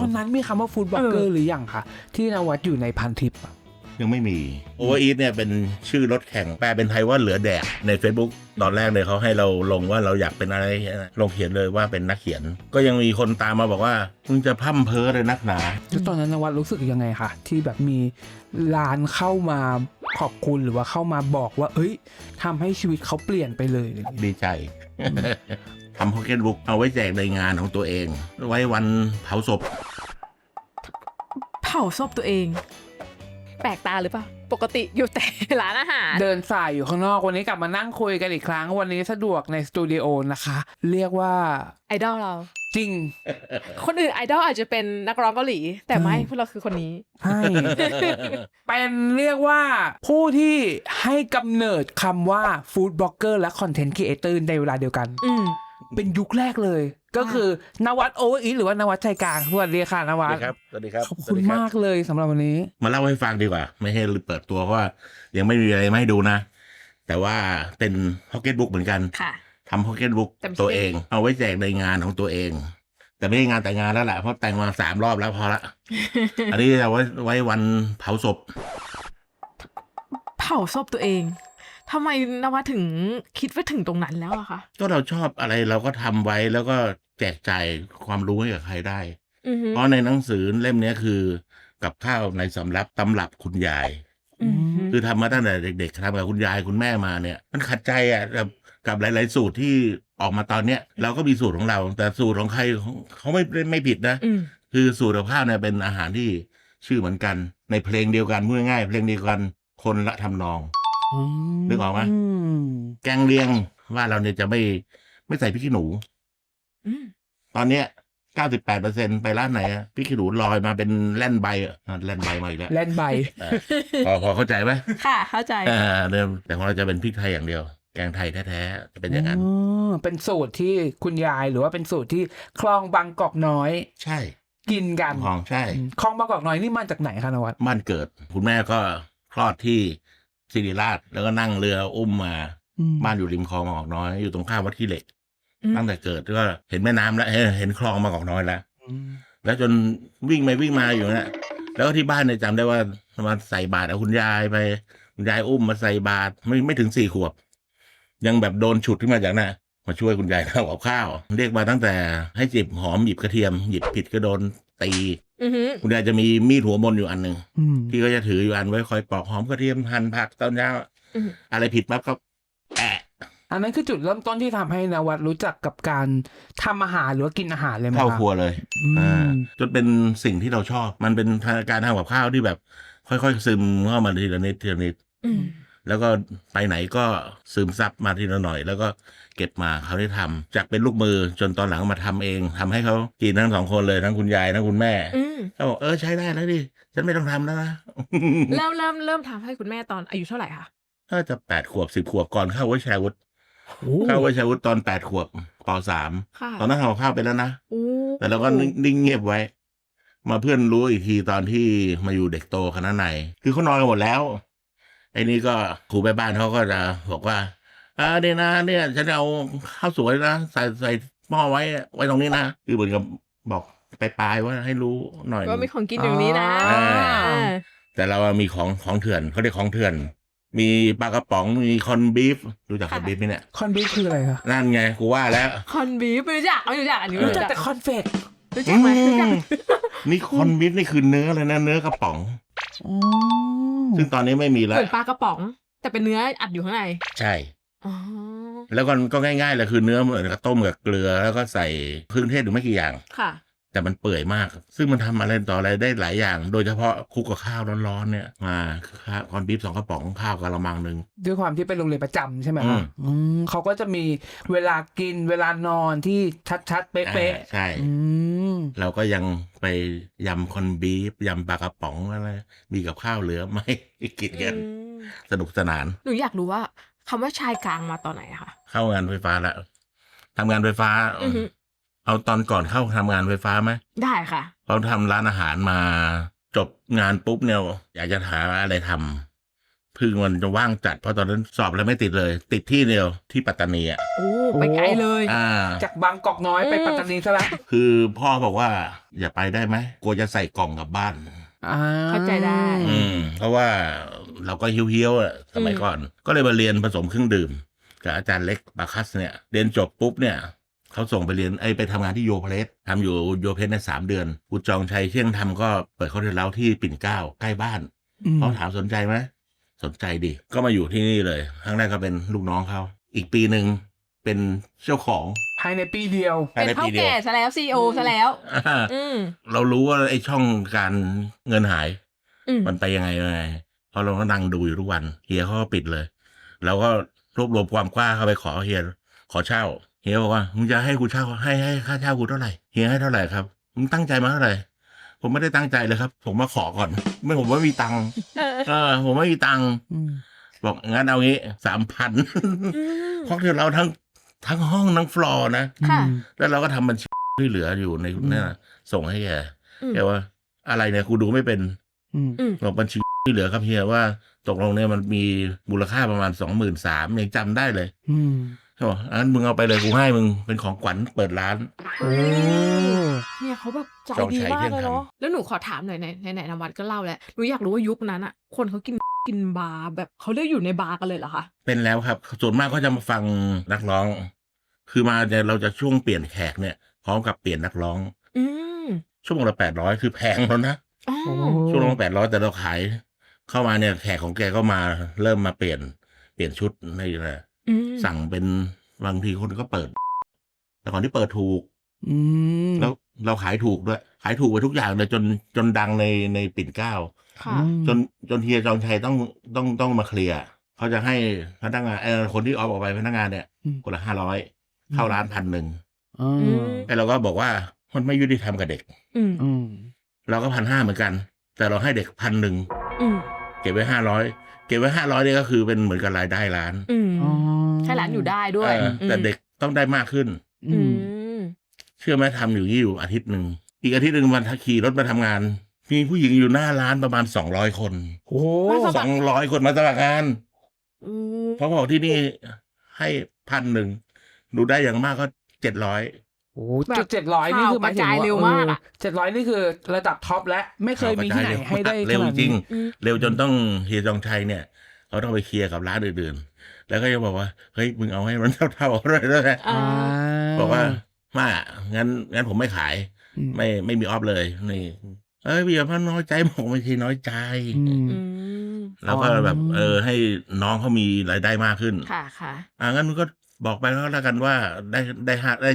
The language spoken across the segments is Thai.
อนนั้นมีคำว่าฟู้ดบล็อกเกอร์หรือยังคะที่นวัดอยู่ในพันทิปยังไม่มีโอเวอร์อีทเนี่ยเป็นชื่อรถแข่งแปลเป็นไทยว่าเหลือแดกใน Facebook ตอนแรกเลยเขาให้เราลงว่าเราอยากเป็นอะไรลงเขียนเลยว่าเป็นนักเขียนก็ยังมีคนตามมาบอกว่ามึงจะพร่ำเพ้อเลยนักหนาแล้วตอนนั้นนวัดรู้สึกยังไงคะที่แบบมีร้านเข้ามาขอบคุณหรือว่าเข้ามาบอกว่าเอ้ยทำให้ชีวิตเขาเปลี่ยนไปเลยดีใจ ทำพ็อกเก็ตบุ๊กเอาไว้แจกในงานของตัวเองไว้วันเผาศพตัวเองแปลกตาหรือเปล่าปกติอยู่แต่ร้านอาหารเดินสายอยู่ข้างนอกวันนี้กลับมานั่งคุยกันอีกครั้งวันนี้สะดวกในสตูดิโอนะคะเรียกว่าไอดอลเราจริงคนอื่นไอดอลอาจจะเป็นนักร้องเกาหลีแต่ไม่พวกเราคือคนนี้ใช่เป็นเรียกว่าผู้ที่ให้กำเนิดคำว่าฟู้ดบล็อกเกอร์และคอนเทนต์ครีเอเตอร์ในเวลาเดียวกันเป็นยุคแรกเลยก็คือนวัดโอเวอร์อีทหรือว่านวัดใจกลางสวัสดีค่ะนวัดสวัสดีครับขอบคุณมากเลยสำหรับวันนี้มาเล่าให้ฟังดีกว่าไม่ให้เปิดตัวเพราะว่ายังไม่มีอะไรมาให้ดูนะแต่ว่าเป็นพ็อกเก็ตบุ๊กเหมือนกันทำพ็อกเก็ตบุ๊กตัวเองเอาไว้แจกในงานของตัวเองแต่ไม่ใช่งานแต่งงานแล้วแหละเพราะแต่งมา3 รอบแล้วพอละ อันนี้เอาไว้วันเผาศพตัวเองทำไมนวัดถึงคิดว่าถึงตรงนั้นแล้วอะคะก็เราชอบอะไรเราก็ทำไว้แล้วก็แจกจ่ายความรู้ให้กับใครได้เพราะในหนังสือเล่มนี้คือกับข้าวในสำรับตำรับคุณยายคือทำมาตั้งแต่เด็กๆทำกับคุณยายคุณแม่มาเนี่ยมันขัดใจอ่ะกับหลายๆสูตรที่ออกมาตอนเนี้ยเราก็มีสูตรของเราแต่สูตรของใครเขาไม่ผิดนะคือสูตรกับข้าวเนี่ยเป็นอาหารที่ชื่อเหมือนกันในเพลงเดียวกันพูดง่ายๆเพลงเดียวกันคนละทำนองนึกออกไหมแกงเลียงว่าเราเนี่ยจะไม่ใส่พริกขี้หนูตอนเนี้ย98%ไปร้านไหนอะพริกขี้หนูลอยมาเป็นแล่นใบแล่นใบมาอีกแล้วแล่นใบพอเข้าใจไหมค่ะเข้าใจแต่ของเราจะเป็นพริกไทยอย่างเดียวแกงไทยแท้ๆจะเป็นอย่างนั้นเป็นสูตรที่คุณยายหรือว่าเป็นสูตรที่คลองบางกอกน้อยใช่กินกันของใช่คลองบางกอกน้อยนี่มาจากไหนคะนวัดบ้านเกิดคุณแม่ก็คลอดที่ศิริราชแล้วก็นั่งเรืออุ้มมาบ้านอยู่ริมคลองบางกอกน้อยอยู่ตรงข้ามวัดขี้เหล็กตั้งแต่เกิดก็เห็นแม่น้ำแล้วเห็นคลองบางกอกน้อยแล้วจนวิ่งมาอยู่เนี่ยแล้วก็ที่บ้านเนี่ยจำได้ว่ามาใส่บาตรเอาคุณยายไปคุณยายอุ้มมาใส่บาตรไม่ถึง4 ขวบยังแบบโดนฉุดขึ้นมาจากน่ะมาช่วยคุณยายทำกับข้าวเรียกมาตั้งแต่ให้จิบหอมหยิบกระเทียมหยิบผิดก็โดนตีคุณยายจะมีมีดหัวมนอยู่อันหนึ่งที่ก็จะถืออยู่อันไว้คอยปอกหอมกระเทียมหั่นผักตอนเช้าอะไรผิดปั๊บก็อันนั้นคือจุดเริ่มต้นที่ทำให้นวัดรู้จักกับการทำอาหารหรือว่ากินอาหารเลยไหมเข้าครัวเลยจนเป็นสิ่งที่เราชอบมันเป็นการทำกับข้าวที่แบบค่อยๆซึมเข้ามาทีละนิดแล้วก็ไปไหนก็ซึมซับมาทีละหน่อยแล้วก็เก็บมาเขาได้ทำจากเป็นลูกมือจนตอนหลังมาทำเองทำให้เขากินทั้ง2 คนเลยทั้งคุณยายทั้งคุณแม่เขาบอกใช้ได้แล้วดิฉันไม่ต้องทำแล้วนะเริ่มทำให้คุณแม่ตอนอายุเท่าไหร่คะถ้าจะ8 ขวบ10 ขวบก่อนเข้าวิชาวุฒิตอน8 ขวบป.3 ตอนนั้นทำข้าวไปแล้วนะแต่เราก็นิ่งเงียบไว้มาเพื่อนรู้อีกทีตอนที่มาอยู่เด็กโตคณะในคือเขานอนกันหมดแล้วไอ้นี่ก็ครูแม่บ้านเขาก็จะบอกว่าเนี่ยนะเนี่ยฉันเอาข้าวสวยนะใส่หม้อไว้ตรงนี้นะคือเหมือนกับบอกไปปลายว่าให้รู้หน่อยว่ามีของกินอย่างนี้นะแต่เรามีของเถื่อนเขาเรียกของเถื่อนมีปลากระป๋องมีคอนบีฟรู้จักคอนบีฟไหมเนี่ยคอนบีฟคืออะไรคะนั่นไงกูว่าแล้วคอนบีฟไม่รู้จักอันนี้รู้จักแต่คอนเฟกรู้จักไหมนี่คอนบีฟนี่คือเนื้อเลยนะเนื้อกระป๋องซึ่งตอนนี้ไม่มีแล้วเหมือนปลากระป๋องแต่เป็นเนื้ออัดอยู่ข้างในใช่แล้วก็ง่ายๆเลยคือเนื้อเหมือนกับต้มกับเกลือแล้วก็ใส่เครื่องเทศหรือไม่กี่อย่างค่ะแต่มันเปื่อยมากซึ่งมันทำอะไรต่ออะไรได้หลายอย่างโดยเฉพาะคลุกกับข้าวร้อนๆเนี่ยมาคอนบีฟ2 กระป๋องข้าวกะละมังนึงด้วยความที่เป็นโรงเรียนประจำใช่ไหมครับเขาก็จะมีเวลากินเวลานอนที่ชัดๆเป๊ะๆใช่เราก็ยังไปยำคอนบีฟยำปลากระป๋องอะไรมีกับข้าวเหลือไหมกินกันสนุกสนานหนูอยากรู้ว่าคำว่าชายกลางมาตอนไหนคะเข้างานไฟฟ้าแล้วทำงานไฟฟ้าเอาตอนก่อนเข้าทำงานไฟฟ้าไหมได้ค่ะเราทำร้านอาหารมาจบงานปุ๊บเนี่ยอยากจะหาอะไรทำเพื่พึ่งมันจะว่างจัดเพราะตอนนั้นสอบแล้วไม่ติดเลย ติดที่เดียวที่ปัตตานีอ่ะโอ้ไปไกลเลยจากบางกอกน้อยไปปัตตานีซะแล้วคือพ่อบอกว่าอย่าไปได้ไหมกลัวจะใส่กล่องกลับบ้านเข้าใจได้เพราะว่าเราก็เฮี้ยวๆอะสมัยก่อน ก็เลยมาเรียนผสมเครื่องดื่มกับอาจารย์เล็กบาคัสเนี่ยเรียนจบปุ๊บเนี่ยเขาส่งไปเรียนไปทำงานที่โยเพลสทำอยู่โยเพลสใน3 เดือนกูจองชัยเที่ยงทำก็เปิดเขาเรียนเล้าที่ปิ่นเกล้าใกล้บ้านเขาถามสนใจไหมสนใจดิก็มาอยู่ที่นี่เลยครั้งแรกก็เป็นลูกน้องเขาอีกปีหนึ่งเป็นเจ้าของภายในปีเดียวเป็นเท่าแก่ซะแล้วซีโอซะแล้วเรารู้ว่าไอ้ช่องการเงินหายมันไปยังไงเพราะเราก็นั่งดูอยู่ทุกวันเฮียเขาก็ปิดเลยเราก็รวบรวมความกล้าเข้าไปขอเฮียขอเช่าเฮียบอกว่ามึงจะให้กูเช่าให้ค่าเช่ากูเท่าไหร่เฮียให้เท่าไหร่ครับมึงตั้งใจมาเท่าไหร่ผมไม่ได้ตั้งใจเลยครับผมมาขอก่อนไม่ผมไม่มีตังค์ผมไม่มีตังค์บอกงั้นเอางี้ 3,000 เพราะที่เราทั้งห้องทั้งฟลอร์นะแล้วเราก็ทำบัญชีที่เหลืออยู่ในเนี่ยส่งให้แกว่าอะไรเนี่ยกูดูไม่เป็นบอกบัญชีที่เหลือครับเฮียว่าตกลงเนี่ยมันมีมูลค่าประมาณ 23,000ยังจำได้เลยเขาบอกงั้นมึงเอาไปเลยกูให้มึงเป็นของขวัญเปิดร้านเนี่ยเขาแบบใจดีมากเลยเนาะแล้วหนูขอถามหน่อยไหนนวัดก็เล่าแล้วหนูอยากรู้ว่ายุคนั้นอะคนเขากินบาร์แบบเขาเรียกอยู่ในบาร์กันเลยเหรอคะเป็นแล้วครับส่วนมากก็จะมาฟังนักร้องคือมาเนี่ยเราจะช่วงเปลี่ยนแขกเนี่ยพร้อมกับเปลี่ยนนักร้องชั่วโมงละ800คือแพงแล้วนะชั่วโมงละ800แต่เราขายเข้ามาเนี่ยแขกของแกก็มาเริ่มมาเปลี่ยนชุดในอะไรสั่งเป็นบางทีคนก็เปิดแต่ก่อนที่เปิดถูกแล้วเราขายถูกด้วยขายถูกไปทุกอย่างเลยจนดังในปิ่นเกล้าจนเฮียจองชัยต้องมาเคลียร์เขาจะให้พนักงานคนที่ออกไปพนักงานเนี่ยคนละ500เข้าร้าน 1,000แต่เราก็บอกว่ามันไม่ยุติธรรมกับเด็กเราก็1,500เหมือนกันแต่เราให้เด็ก1,000เก็บไว้500เนี่ยก็คือเป็นเหมือนกับรายได้ร้านให้ร้านอยู่ได้ด้วยแต่เด็กต้องได้มากขึ้นเชื่อไหมทำอยู่อาทิตย์หนึ่งอีกอาทิตย์หนึ่งวันขี่รถมาทำงานมีผู้หญิงอยู่หน้าร้านประมาณ200 คนโอ้ 200 คนมาสมัครงานเพราะบอกที่นี่ให้1,000ดูได้อย่างมากก็700 โอ้700นี่คือหมายถึงเร็วมาก 700นี่คือระดับท็อปและไม่เคยมีที่ไหนให้ได้เร็วจริงเร็วจนต้องเฮียจองชัยเนี่ยเขาต้องไปเคลียร์กับร้านอื่นๆแล้วก็จะบอกว่าเฮ้ยมึงเอาให้มันเท่าๆเลยนะบอกว่างั้นผมไม่ขายไม่มีออฟเลยนี่พี่พันน้อยใจบอกไม่ใช่น้อยใจแล้วก็แบบให้น้องเขามีรายได้มากขึ้นค่ะงั้นมึงก็บอกไปแล้วกันว่าได้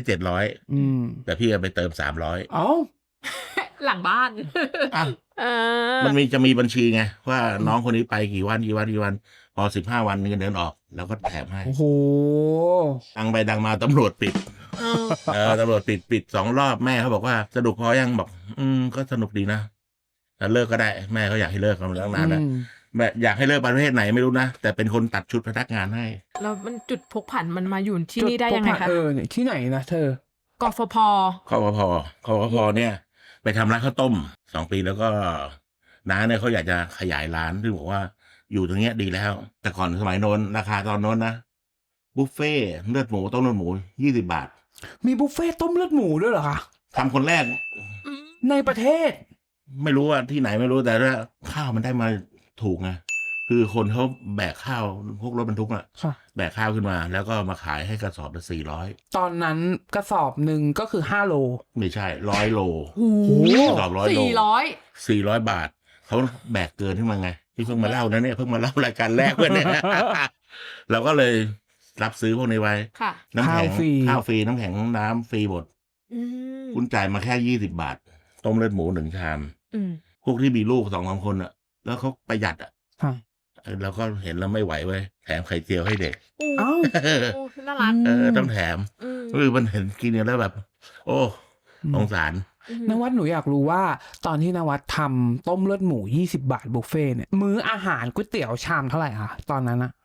700แต่พี่ไปเติม300 หลังบ้านมันจะมีบัญชีไงว่าน้องคนนี้ไปกี่วันพอ15 วันเงินเดือนออกแล้วก็แถมให้โอ้โหดังไปดังมาตำรวจปิดตำรวจปิด2 รอบแม่เขาบอกว่าสนุกพอยังบอกก็สนุกดีนะแต่เลิกก็ได้แม่เขาอยากให้เลิกกันแล้วนานแล้วแม่อยากให้เลิกประเภทไหนไม่รู้นะแต่เป็นคนตัดชุดพนักงานให้แล้วมันจุดพกผันมันมาอยู่ที่นี่ได้ยังไงคะที่ไหนนะเธอกฟผเนี่ยไปทำร้านข้าวต้ม2 ปีแล้วก็น้าเนี่ยเขาอยากจะขยายร้านซึ่งบอกว่าอยู่ตรงเนี้ยดีแล้วแต่ก่อนสมัยโน้นราคาตอนโน้นนะบุฟเฟ่เลือดหมูต้มเลือดหมู20 บาทมีบุฟเฟ่ต้มเลือดหมูด้วยเหรอคะทำคนแรกในประเทศไม่รู้ว่าที่ไหนไม่รู้แต่ว่าข้าวมันได้มาถูกไงคือคนเขาแบกข้าวพวกรถบรรทุกแบกข้าวขึ้นมาแล้วก็มาขายให้กระสอบละ400 ตอนนั้นกระสอบหนึ่งก็คือ5 โลไม่ใช่100 โลกระสอบ100 โล400 บาทเขาแบกเกินขึ้นมาไงที่เพิ่งมาเล่านะเนี่ยเพิ่งมาเล่ารายการแรกเนี่ยเราก็เลยรับซื้อพวกนี้ไว้น้ำแข็งข้าวฟรีน้ำแข็งน้ำฟรีหมดคุณจ่ายมาแค่20 บาทต้มเลือดหมู1 ชามพวกที่มีลูก2-3 คนอ่ะแล้วเขาประหยัดอ่ะเราก็เห็นแล้วไม่ไหวเว้ยแถมไข่เจียวให้เด็กน่ารักต้องแถมมันเห็นกินแล้วแบบโอ้สงสารนวัดหนูอยากรู้ว่าตอนที่นวัดทำต้มเลือดหมู20 บาทบุฟเฟ่เนี่ยมื้ออาหารก๋วยเตี๋ยวชามเท่าไหร่คะตอนนั้นอะ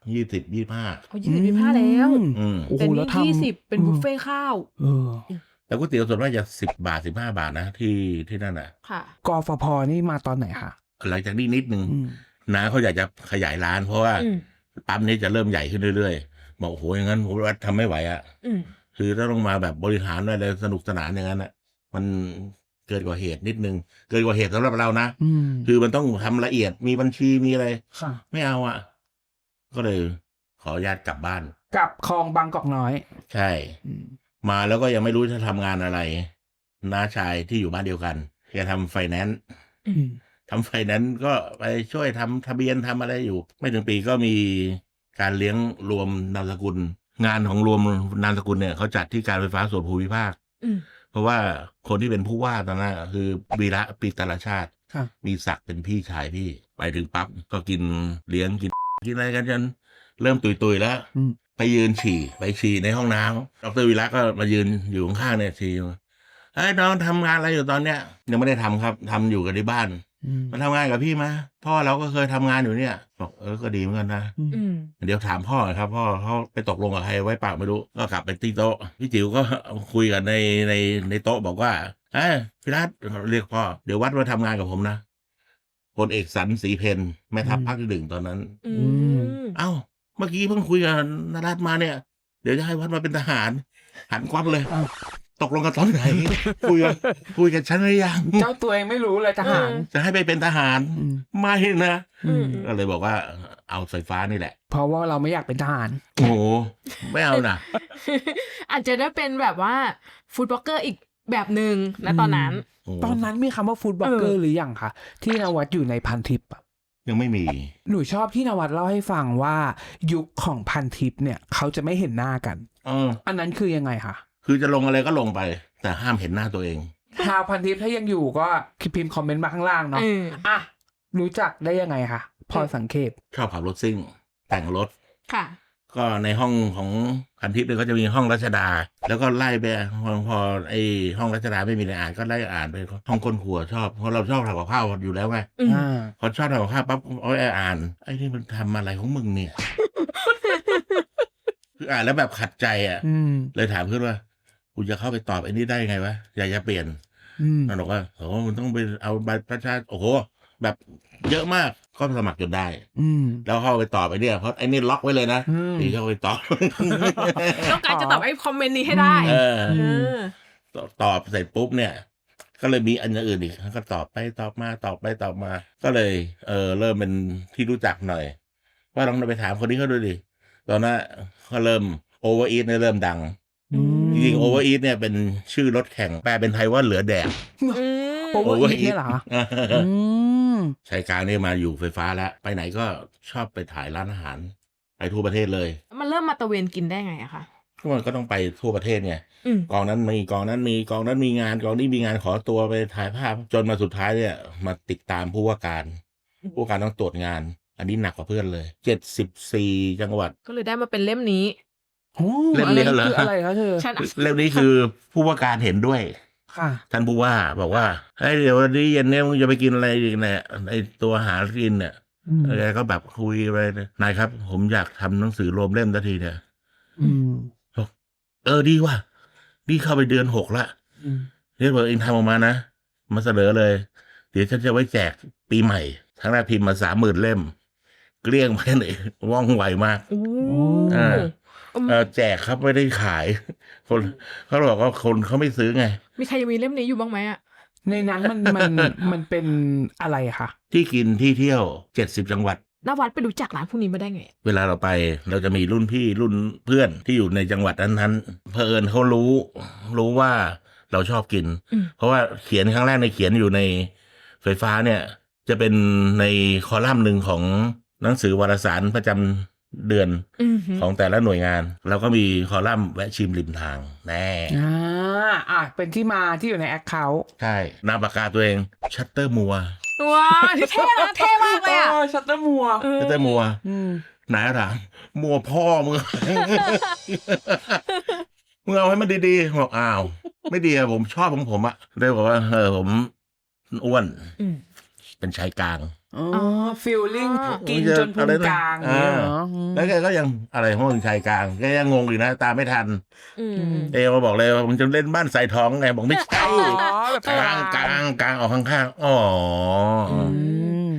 20-25 แล้วแต่นี่20เป็นบุฟเฟ่ข้าวแล้วก๋วยเตี๋ยวส่วนมากจะ10 บาท15 บาทนะที่นั่นน่ะค่ะกฟผนี่มาตอนไหนคะหลังจากนี้นิดนึงน้าเขาอยากจะขยายร้าน เพราะว่าปั๊มนี้จะเริ่มใหญ่ขึ้นเรื่อยๆบอกโอ้โหอย่างนั้นผมว่าทำไม่ไหวอ่ะคือถ้าต้องมาแบบบริหารอะไรสนุกสนานอย่างนั้นอ่ะมันเกินกว่าเหตุนิดนึงเกินกว่าเหตุสำหรับเรานะคือมันต้องทำละเอียดมีบัญชีมีอะไรไม่เอาอ่ะก็เลยขออนุญาตกลับบ้านกลับคลองบางกอกน้อยใช่มาแล้วก็ยังไม่รู้จะทำงานอะไรน้าชายที่อยู่บ้านเดียวกันแกทำไฟแนนซ์ก็ไปช่วยทำทะเบียนทำอะไรอยู่ไม่ถึงปีก็มีการเลี้ยงรวมนามสกุลงานของรวมนามสกุลเนี่ยเขาจัดที่การไฟฟ้าส่วนภูมิภาคเพราะว่าคนที่เป็นผู้ว่าตอนนั้นคือวีระปิตรชาติมีศักดิ์เป็นพี่ชายพี่ไปถึงปั๊บก็กินเลี้ยงกินอะไรกันจนเริ่มตุยๆแล้วไปยืนฉี่ในห้องน้ำดรวีระก็มายืนอยู่ข้างๆเนี่ยฉี่เฮ้ยน้องทำงานอะไรอยู่ตอนเนี้ยยังไม่ได้ทำครับทำอยู่กันที่บ้านมาทำงานกับพี่มาพ่อเราก็เคยทำงานอยู่เนี่ยบอกก็ดีเหมือนกันนะเดี๋ยวถามพ่อครับพ่อเขาไปตกลงกับใครไว้ปากไม่รู้ก็กลับไปที่โต๊ะพี่จิ๋วก็คุยกันในโต๊ะบอกว่าพี่รัตเรียกพ่อเดี๋ยววัดมาทำงานกับผมนะพลเอกสันศรีเพนแม่ทัพภาคที่ 1ตอนนั้นเอ้าเมื่อกี้เพิ่งคุยกับนรัตน์มาเนี่ยเดี๋ยวจะให้วัดมาเป็นทหารหันควับเลยตกลงกันตอนไหนคุยกันฉันหรือยังเจ้าตัวเองไม่รู้เลยทหารจะให้ไปเป็นทหารไม่นะก็เลยบอกว่าเอาไฟฟ้านี่แหละเพราะว่าเราไม่อยากเป็นทหารโอ้โหไม่เอานะอาจจะได้เป็นแบบว่าฟู้ดบล็อกเกอร์อีกแบบหนึ่งนะตอนนั้นมีคำว่าฟู้ดบล็อกเกอร์หรือยังคะที่นวัดอยู่ในพันทิปยังไม่มีหนูชอบที่นวัดเล่าให้ฟังว่ายุคของพันทิปเนี่ยเขาจะไม่เห็นหน้ากันอันนั้นคือยังไงคะคือจะลงอะไรก็ลงไปแต่ห้ามเห็นหน้าตัวเองชาวพันทิปถ้ายังอยู่ก็พิมพ์คอมเมนต์มาข้างล่างเนาะรู้จักได้ยังไงคะพอสังเกตชอบขับรถซิ่งแต่งรถค่ะก็ในห้องของพันทิปเนี่ยก็จะมีห้องรัชดาแล้วก็ไล่ไปพอไอห้องรัชดาไม่มีอะไรอ่านก็ไล่อ่านไปห้องคนครัวชอบเพราะเราชอบทำกับข้าวอยู่แล้วไงพอชอบทำกับข้าวปั๊บอ่านไอ้นี่มันทำอะไรของมึงเนี่ยคืออ่านแล้วแบบขัดใจอ่ะเลยถามขึ้นว่ากูจะเข้าไปตอบไอ้นี่ได้ไงวะอยากจะเปลี่ยนมันบอกว่าโอ้มันต้องไปเอาใบประชาโอ้โหแบบเยอะมากก็สมัครจนได้แล้วเข้าไปตอบไอ้นี่เพราะไอ้นี่ล็อกไว้เลยนะนี่เข้าไปตอบต้องการจะตอบไอ้คอมเมนต์นี้ให้ได้ตอบเสร็จปุ๊บเนี่ยก็เลยมีอันอื่นอีกก็ตอบไปตอบมาก็เลยเริ่มเป็นที่รู้จักหน่อยว่าลองไปถามคนนี้เขาดูดิตอนนั้นเขาเริ่มโอเวอร์อีทเนี่ยเริ่มดังจริงๆโอเวอร์อีทเนี่ยเป็นชื่อรถแข่งแปลเป็นไทยว่าเหลือแดกโอเวอร์อีทเนี่ยเหรอชายกลางนี่มาอยู่ไฟฟ้าแล้วไปไหนก็ชอบไปถ่ายร้านอาหารไปทั่วประเทศเลยมันเริ่มมาตะเวนกินได้ไงอะคะมันก็ต้องไปทั่วประเทศไงกองนั้นมีกองนั้นมีกองนั้นมีงานกองนี้มีงานขอตัวไปถ่ายภาพจนมาสุดท้ายเนี่ยมาติดตามผู้ว่าการต้องตรวจงานอันนี้หนักกว่าเพื่อนเลย74จังหวัดก็เลยได้มาเป็นเล่มนี้เล่มนี้เหรออะไรคะเธอเล่มนี้คือผู้ว่าการเห็นด้วยท่านผู้ว่าบอกว่าเฮ้ยเดี๋ยววันนี้เย็นเนี่ยมึงจะไปกินอะไรอีกเนี่ยไอตัวหากินเนี่ยแกก็แบบคุยไปนายครับผมอยากทำหนังสือรวมเล่มทันทีเนี่ยดีว่ะนี่เข้าไปเดือน6ละเรียกว่าเองทำออกมานะมาเสนอเลยเดี๋ยวฉันจะไว้แจกปีใหม่ทั้งแรกพิมพ์มา 30,000 เล่มเกลี้ยงไปเลยว่องไวมากแจกครับไม่ได้ขายคนเขาบอกว่าคนเขาไม่ซื้อไงมีใครยังมีเล่มนี้อยู่บ้างไหมอ่ะในนั้นมันเป็นอะไรคะที่กินที่เที่ยว70จังหวัดนวัดไปรู้จักร้านพวกนี้มาได้ไงเวลาเราไปเราจะมีรุ่นพี่รุ่นเพื่อนที่อยู่ในจังหวัดนั้นๆเผอิญเขารู้ว่าเราชอบกินเพราะว่าเขียนครั้งแรกในเขียนอยู่ในไฟฟ้าเนี่ยจะเป็นในคอลัมน์หนึ่งของหนังสือวารสารประจำเดือนของแต่ละหน่วยงานแล้วก็มีคอลัมน์แวะชิมริมทางแน่เป็นที่มาที่อยู่ในแอคเคาท์ใช่นามปากกาตัวเองชัตเตอร์มัวว้าเท่นะเท่มากเลยอ่ะชัตเตอร์มัวไหนถามมัวพ่อมึงมึงเอาให้มันดีๆบอกอ้าวไม่ดีอะผมชอบของผมอะได้บอกว่าผมอ้วนเป็นชายกลางฟีลลิ่งกินจนพุงกลางแล้วแกก็ยังอะไรของมึงชายกลางแกยังงงอยู่นะตามไม่ทันมาบอกเลยว่ามึงจะเล่นบ้านใส่ท้องไงบอกไม่ใช่กลางออกข้างๆ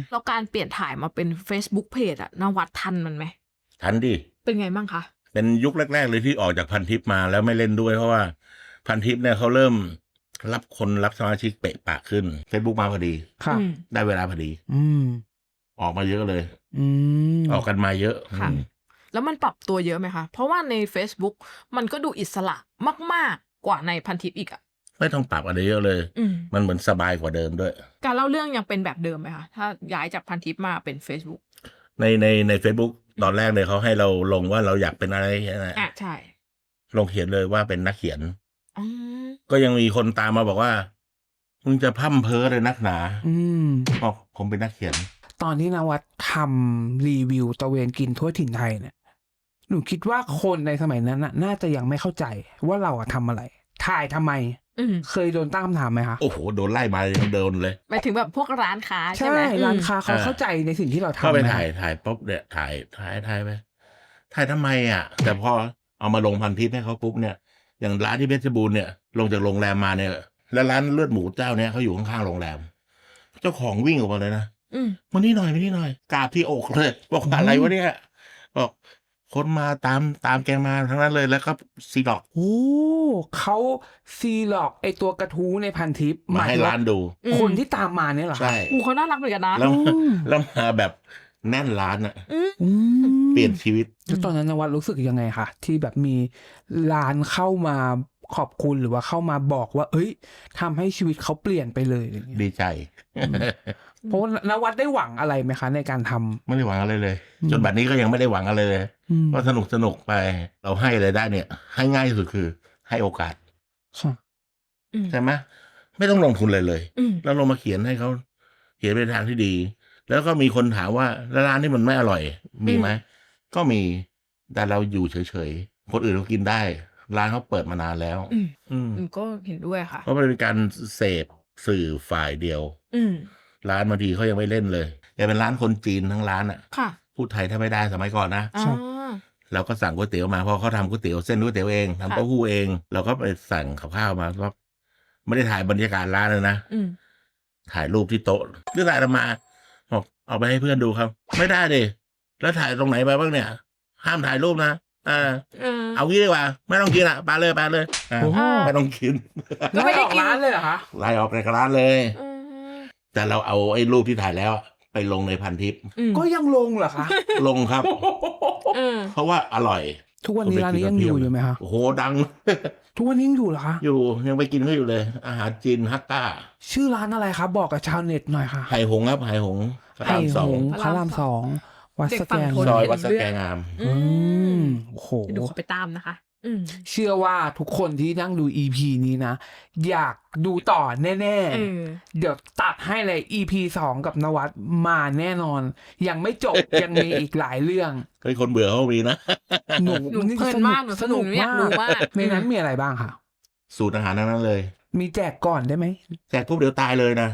แล้วการเปลี่ยนถ่ายมาเป็น Facebook Page อะนวัดทันมันไหมทันดิเป็นไงบ้างคะเป็นยุคแรกๆเลยที่ออกจากพันทิปมาแล้วไม่เล่นด้วยเพราะว่าพันทิปเนี่ยเขาเริ่มรับสมาชิกเปะปะขึ้น Facebook มาพอดีค่ะได้เวลาพอดี ออกมาเยอะเลยออกกันมาเยอะค่ะ แล้วมันปรับตัวเยอะไหมคะ เพราะว่าใน Facebook มันก็ดูอิสระมากๆกว่าในพันทิปอีกอะไม่ต้องปรับอะไรเยอะเลยมันเหมือนสบายกว่าเดิมด้วยการเล่าเรื่องยังเป็นแบบเดิมไหมคะถ้าย้ายจากพันทิปมาเป็น Facebook ใน Facebook ตอนแรกเลยเขาให้เราลงว่าเราอยากเป็นอะไรใช่ลงเขียนเลยว่าเป็นนักเขียนก็ยังมีคนตามมาบอกว่ามึงจะพร่ำเพ้อเลยนักหนาบอกผมเป็นนักเขียนตอนที่นวัดทำรีวิวตะเวนกินทั่วถิ่นไทยเนี่ยหนูคิดว่าคนในสมัยนั้นน่าจะยังไม่เข้าใจว่าเราทำอะไรถ่ายทำไมเคยโดนตั้งคำถามไหมคะโอ้โหโดนไล่มาโดนเลยหมายถึงแบบพวกร้านค้าใช่ไหมร้านค้าเขาเข้าใจในสิ่งที่เราทำก็ไปถ่ายปุ๊บเนี่ยถ่ายไปถ่ายทำไมแต่พอเอามาลงพันทิปให้เขาปุ๊บเนี่ยอย่างร้านที่เพชรบูรณ์เนี่ยลงจากโรงแรมมาเนี่ยแล้วร้านเลือดหมูเจ้าเนี่ยเขาอยู่ข้างๆโรงแรมเจ้าของวิ่งออกมาเลยนะมานี่หน่อยกราบที่อกเลยบอกอะไรวะเนี่ยบอกคนมาตามแกมาทั้งนั้นเลยแล้วก็ซีล็อกเขาซีล็อกไอตัวกระทู้ในพันทิปมาให้ร้านดูคนที่ตามมาเนี่ยเหรอใช่เขาน่ารักเหมือนกันนะแล้วมาแบบแน่นร้านเปลี่ยนชีวิตแล้วตอนนั้นนวัดรู้สึกยังไงคะที่แบบมีร้านเข้ามาขอบคุณหรือว่าเข้ามาบอกว่าเอ้ยทำให้ชีวิตเขาเปลี่ยนไปเลยดีใจเพราะนวัดได้หวังอะไรไหมคะในการทำไม่ได้หวังอะไรเลยจนบัดนี้ก็ยังไม่ได้หวังอะไรเลยก็สนุกไปเราให้อะไรได้เนี่ยให้ง่ายที่สุดคือให้โอกาสใช่ไหมไม่ต้องลงทุนเลยแล้วลงมาเขียนให้เขาเขียนเป็นทางที่ดีแล้วก็มีคนถามว่าร้านที่มันไม่อร่อยมีไหมก็มีแต่เราอยู่เฉยๆคนอื่นเขากินได้ร้านเขาเปิดมานานแล้วก็เห็นด้วยค่ะเพราะมันเป็นการเสพสื่อฝ่ายเดียวร้านบางทีเขายังไม่เล่นเลยแต่เป็นร้านคนจีนทั้งร้านพูดไทยถ้าไม่ได้สมัยก่อนนะเราก็สั่งก๋วยเตี๋ยวมาเพราะเขาทำก๋วยเตี๋ยวเส้นก๋วยเตี๋ยวเองทำเต้าหู้เองเราก็ไปสั่งข้าวมาก็ไม่ได้ถ่ายบรรยากาศร้านเลยนะถ่ายรูปที่โต๊ะหรือถ่ายมาบอกเอาไปให้เพื่อนดูครับไม่ได้ดิแล้วถ่ายตรงไหนไปบ้างเนี่ยห้ามถ่ายรูปนะเอางี้ดีกว่าไม่ต้องกินไปเลยไม่ต้องกินไล่ออกร้านเลยเหรอคะไล่ออกในร้านเลยแต่เราเอาไอ้รูปที่ถ่ายแล้วไปลงในพันทิปก็ยังลงเหรอคะลงครับเพราะว่าอร่อยทุกวันนี้ร้านนี้ยังอยู่ไหมคะโอ้โหดังทุกวันนี้ยังอยู่เหรอคะอยู่ยังไปกินเขาอยู่เลยอาหารจีนฮัตต้าชื่อร้านอะไรครับบอกกับชาวเน็ตหน่อยค่ะไหหงครับไหหงพระรามสองวัดสแกงซอยวัดสแกงามโอ้โหดูเขาไปตามนะคะเชื่อว่าทุกคนที่นั่งดู EP นี้นะอยากดูต่อแน่ๆเดี๋ยวตัดให้เลย EP 2กับนวัดมาแน่นอนยังไม่จบ ยังมีอีกหลายเรื่องเคยคนเบื่อเขามีนะหนูเพลินมากสนุกมากในนั้นมีอะไรบ้างค่ะสูตรอาหารนั้นเลยมีแจกก่อนได้ไหมแจกปุ๊บเดี๋ยวตายเลยนะ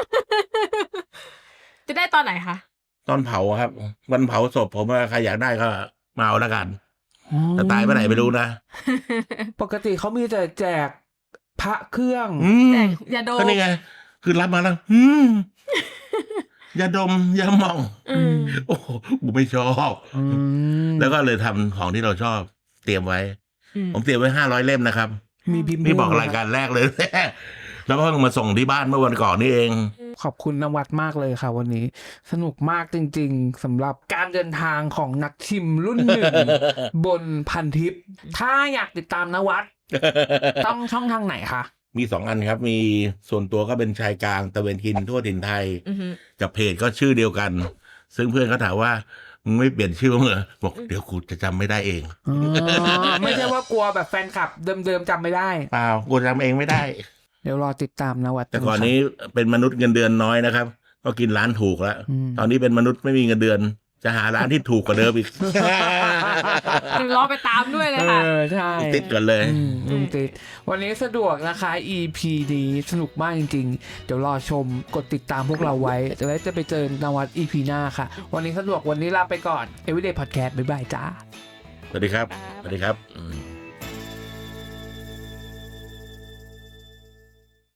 จะได้ตอนไหนคะตอนเผาครับวันเผาศพผมว่าใครอยากได้ก็มาเอาละกันแต่ตายเมื่อไหร่ไม่รู้นะปกติเขามีแต่แจกพระเครื่องแจกยาดมก็นี่ไงคือรับมาแล้วยาดมยาหม่องโอ้ผมไม่ชอบแล้วก็เลยทำของที่เราชอบเตรียมไว้ผมเตรียมไว้500 เล่มนะครับมีบอกรายการแรกเลยแล้วเพิ่งมาส่งที่บ้านเมื่อวันก่อนนี่เองขอบคุณนวัดมากเลยค่ะวันนี้สนุกมากจริงๆสำหรับการเดินทางของนักชิมรุ่นหนึ่งบนพันทิปถ้าอยากติดตามนวัดต้องช่องทางไหนคะมี2 อันครับมีส่วนตัวก็เป็นชายกลางตะเวนกินทั่วถิ่นไทยกับเพจก็ชื่อเดียวกันซึ่งเพื่อนเขาถามว่ามึงไม่เปลี่ยนชื่อมั้งเหรอบอกเดี๋ยวกูจะจำไม่ได้เองไม่ใช่ว่ากลัวแบบแฟนคลับเดิมๆจำไม่ได้เปล่ากูจำเองไม่ได้เดี๋ยวรอติดตามนวัดแต่ก่อนนี้เป็นมนุษย์เงินเดือนน้อยนะครับก็กินร้านถูกแล้วตอนนี้เป็นมนุษย์ไม่มีเงินเดือนจะหาร้านที่ถูกกว่าเดิมอีกรอไปตามด้วยเลยค่ะใช่ติดกันเลยลุงติดวันนี้สะดวกนะคะ EP นี้สนุกมากจริงๆเดี๋ยวรอชมกดติดตามพวกเราไว้จะไปเจอนวัด EP หน้าค่ะวันนี้สะดวกวันนี้ลาไปก่อน Everyday Podcast บ๊ายบายจ้าสวัสดีครับ